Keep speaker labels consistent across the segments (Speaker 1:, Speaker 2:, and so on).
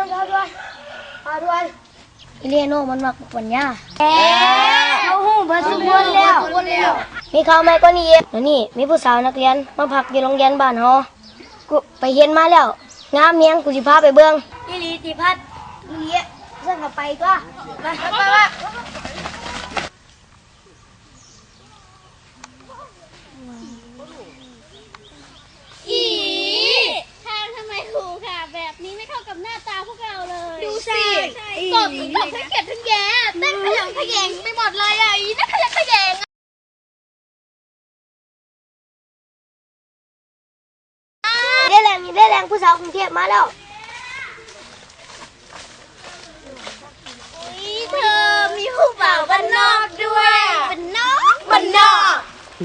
Speaker 1: ด้วยอิเลียโนมันมักปัญญาเขาหูเบิดทุกคนแล้วมีข่าวใหม่ก็นี่แล้วนี่มีผู้สาวนักเรียนมาพักอยู่โรงเรียนบ้านเฮากูไปเห็นมาแล้วงามเมียงกูสิพาไปเบิ่งอีหลีติพัดอีหลีเพิ่นก็ไปก็ไปว่า
Speaker 2: อีทำไมครูค่ะแบบนี้ไม่เข้ากับหน้าตาพวกเราเลยดูสิสดทั้งทั้งเก็บทั้งแย่เต้นขยันขยงไปหมดเลยอ่ะอีนั่นขยันขยง
Speaker 1: ได้แรงผู้สาวกรุงเทพมาแล้ว
Speaker 2: เธอมีผู้บ่าวบ้านนอกด้วยบ้านนอก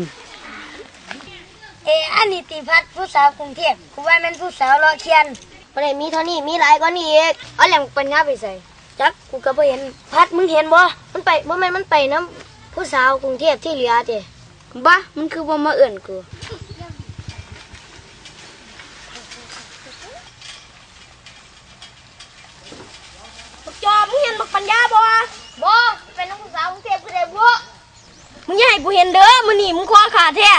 Speaker 1: อันนี้ติพัดผู้สาวกรุงเทพกูว่ามันผู้สาวรอเคียนบ่ได้มีเท่านี้มีหลายกว่านี้อีกเอาแหล่งปัญญาไปใส่จักกูก็บ่เห็นพัดมึงเห็นบ่มันไปบ่แม่นมันไปน้ำผู้สาวกรุงเทพที่เหลือติบ้ามันคือบ่มาเอื้อนกูจอมึงเห็นบักปัญญาบ่เป็นน้องผู้สาวกรุงเทพคือได้บ่มึงอย่าให้กูเห็นเด้อมื้อนี้มึงคอขาดแท้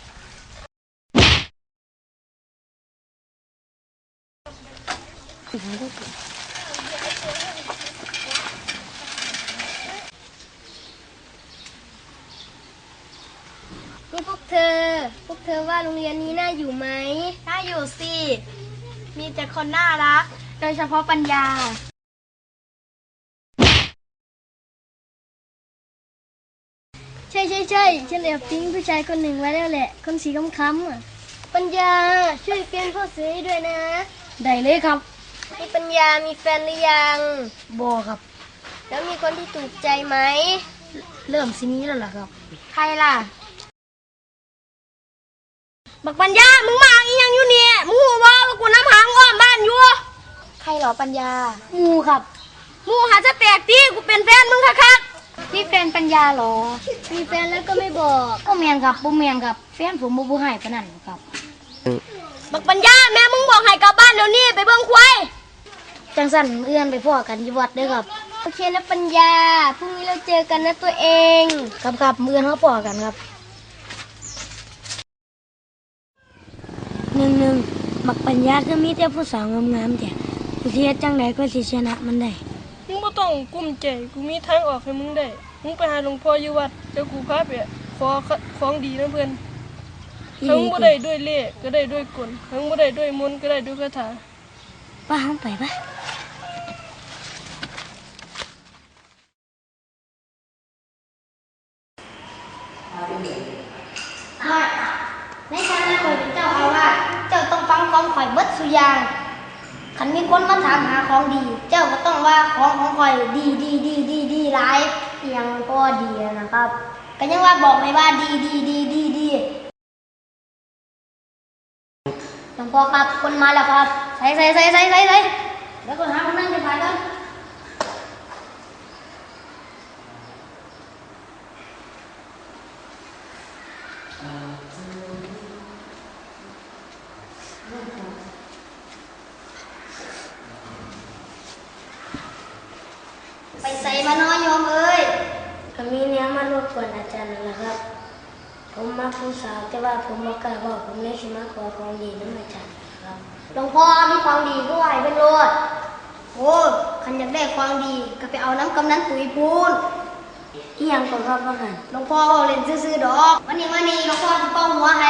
Speaker 1: นี่พวกเธอว่าโรงเรียนนี้น่าอยู่ไหม
Speaker 2: น่าอยู่สิมีแต่คนน่ารักโดยเฉพาะปัญญา
Speaker 1: ใช่ฉันแอบทิ้งผู้ชายคนหนึ่งไว้แล้วแหละคนสีค้ำอ่ะปัญญาช่วยเปลี่ยนพ่อซื้อให้ด้วยนะได้เลยครับมีปัญญามีแฟนหรือยังบ่ครับแล้วมีคนที่ถูกใจไหมเริ่มสินี้แล้วล่ะครับ
Speaker 2: ใครล่ะ
Speaker 1: บักปัญญามึงมาอีหยังอยู่เนี่ยมึงหูว่ากูน้ำหางอ้อมบ้านอยู่
Speaker 2: ใครหรอปัญญา
Speaker 1: งูครับงูหาจะแปลกตีกูเป็นแฟนมึงคัก
Speaker 2: นี่แฟนปัญญาหรอ
Speaker 1: มีแฟนแล้วก็ไม่บอกก็แมนครับบ่แมนครับแฟนผมบ่ให้ปานนั้นครับบักปัญญาแม่มึงบอกให้กลับบ้านเดี๋ยวนี้ไปเบิ่งควายจังสั่นเอื้อนไปพ่อกันที่วัดเด้อครับโอเคนะปัญญาพรุ่งนี้เราเจอกันนะตัวเองครับเอื้อนเขาพ่อกันครับหนึ่งบักปัญญาคือมีแต่ผู้สาวงามๆแต่กูสิเฮ็ดจังได๋ก็สิชนะมันได้
Speaker 3: มึงไม่ต้องกุ้มใจกูมีทางออกให้มึงได้มึงไปหาหลวงพ่ออยู่วัดเดี๋ยวกูพาไปขอของดีนะเพื่อนทั้งบ่ได้ด้วยเล่ห์ก็ได้ด้วยกลทั้งบ่ได้ด้วยมนต์ก็ได้ด้วยคาถา
Speaker 1: ป้าห้องไปปะในฐานะข่อยเป็นเจ้าอาวาสเจ้าต้องฟังของข่อยเบิดสุอย่างคันมีคนมาถามหาของดีเจ้าก็ต้องว่าของข่อยดีหลายยังก็ดีนะครับก็ยังว่าบอกไม่ว่าดีหลวงพ่อครับคนมาแล้วครับใส่แล้วก็หาคนนั่งไปกันไปใส่มาน้อยโยมเอ้ยก็มีเนี้ยมารบกวนอาจารย์นั่นแหละครับผมมาผู้สาวแต่ว่าผมบอกกล้าบอกผมเลยสิมาขอของดีน้ำอาจารย์ครับหลวงพ่อมีของดีก็ไหวเป็นโลดโอ้คันอยากได้ของดีก็ไปเอาน้ำกำนันปุ๋ยพูนอีหยังก่อนครับว่าหันหลวงพ่อเอาเล่นซื่อๆดอกวันนี้หลวงพ่อจะเป่าหัวให้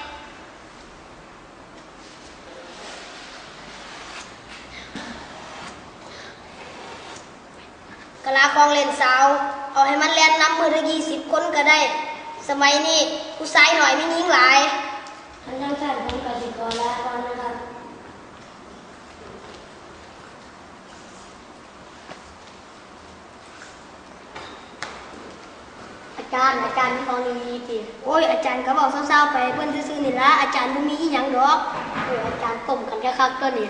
Speaker 1: กะลากองเล่นสาวเอาให้มันเล่นน้ำมือละ20 คนก็ได้สมัยนี้ผู้ชายหน่อยไม่ยิงหลายท่านทั้งท่านผมกสิกรแล้วก่อนนะครับอาจารย์มีของดีๆติโอ้ยอาจารย์ก็บอกเศร้าๆไปเพื่อนซื่อๆนี่ละอาจารย์บ่มีอีหยังดอกอาจารย์ต้มกันคักๆก็นี่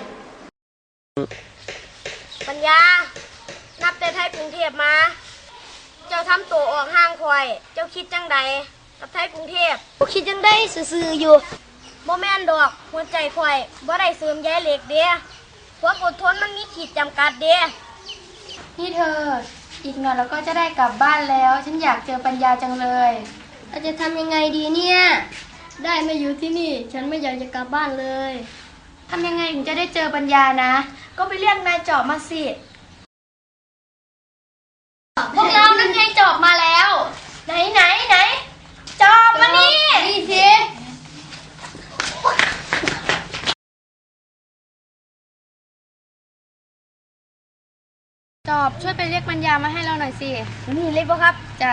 Speaker 1: ปัญญานับแต่ไทยกรุงเทพมาเจ้าทำตัวออกห่างคอยเจ้าคิดจังใดกับไทยกรุงเทพคิดจังได้ซื่อๆอยู่บ่แม่นดอกหัวใจคอยบ่ได้เสริมใยเหล็กเด้ความอดทนมันมีขีดจำกัดเด้
Speaker 2: นี่เธอ อีกหน่อยเราก็จะได้กลับบ้านแล้ว ฉันอยากเจอปัญญาจังเลย
Speaker 1: เราจะทำยังไงดีเนี่ย ได้มาอยู่ที่นี่ ฉันไม่อยากจะกลับบ้านเลย
Speaker 2: ทำยังไงถึงจะได้เจอปัญญานะ ก็ไปเรียกนายจอบมาสิ พวกเรานั่นไงจอบมาแล้ว ไหนจอบมานี่
Speaker 1: นี่สิ
Speaker 2: จอบช่วยไปเรียกปัญญามาให้เราหน่อยสิ
Speaker 1: นี่เล็กปะครับ
Speaker 2: จ้ะ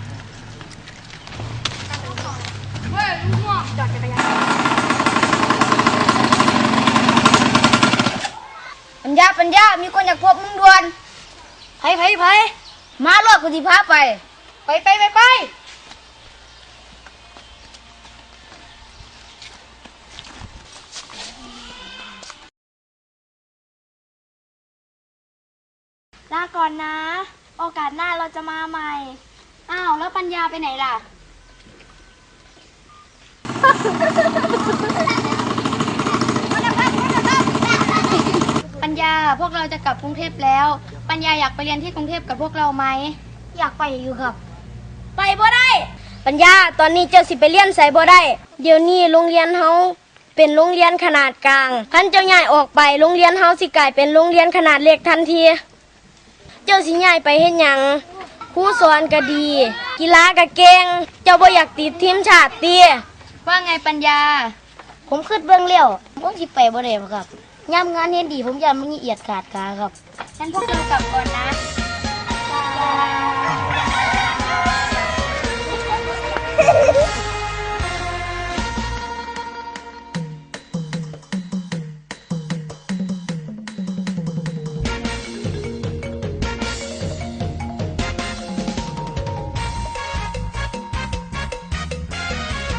Speaker 1: ปัญญามีคนอยากพบมึงด่วนไผมารถกูสิพาไป
Speaker 2: ไป ลาก่อนนะ โอกาสหน้าเราจะมาใหม่ อ้าว แล้วปัญญาไปไหนล่ะ ปัญญาพวกเราจะกลับกรุงเทพแล้ว ปัญญาอยากไปเรียนที่กรุงเทพกับพวกเราไหม
Speaker 1: อยากไปอยู่ครับ ไปบ่ได้ ปัญญาตอนนี้เจ้าสิไปเรียนใส่บ่ได้ เดี๋ยวนี้โรงเรียนเฮาเป็นโรงเรียนขนาดกลางคันเจ้าย้ายออกไปโรงเรียนเฮาสิกลายเป็นโรงเรียนขนาดเล็กทันที เจ้าสิย้ายไปเฮ็ดหยังครูสอนก็ดี กีฬาก็เก่ง เจ้าบ่อยากติดทีมชาติติ
Speaker 2: ว่าไงปัญญา
Speaker 1: ผมคิดเบิ่งแล้วผมสิไปบ่ได้ครับยามงานเฮ็ดดีผมอยากมันละเอียดขาดกาครับ
Speaker 2: งั้นพวกเรากลับก่อนนะ บ๊ายบาย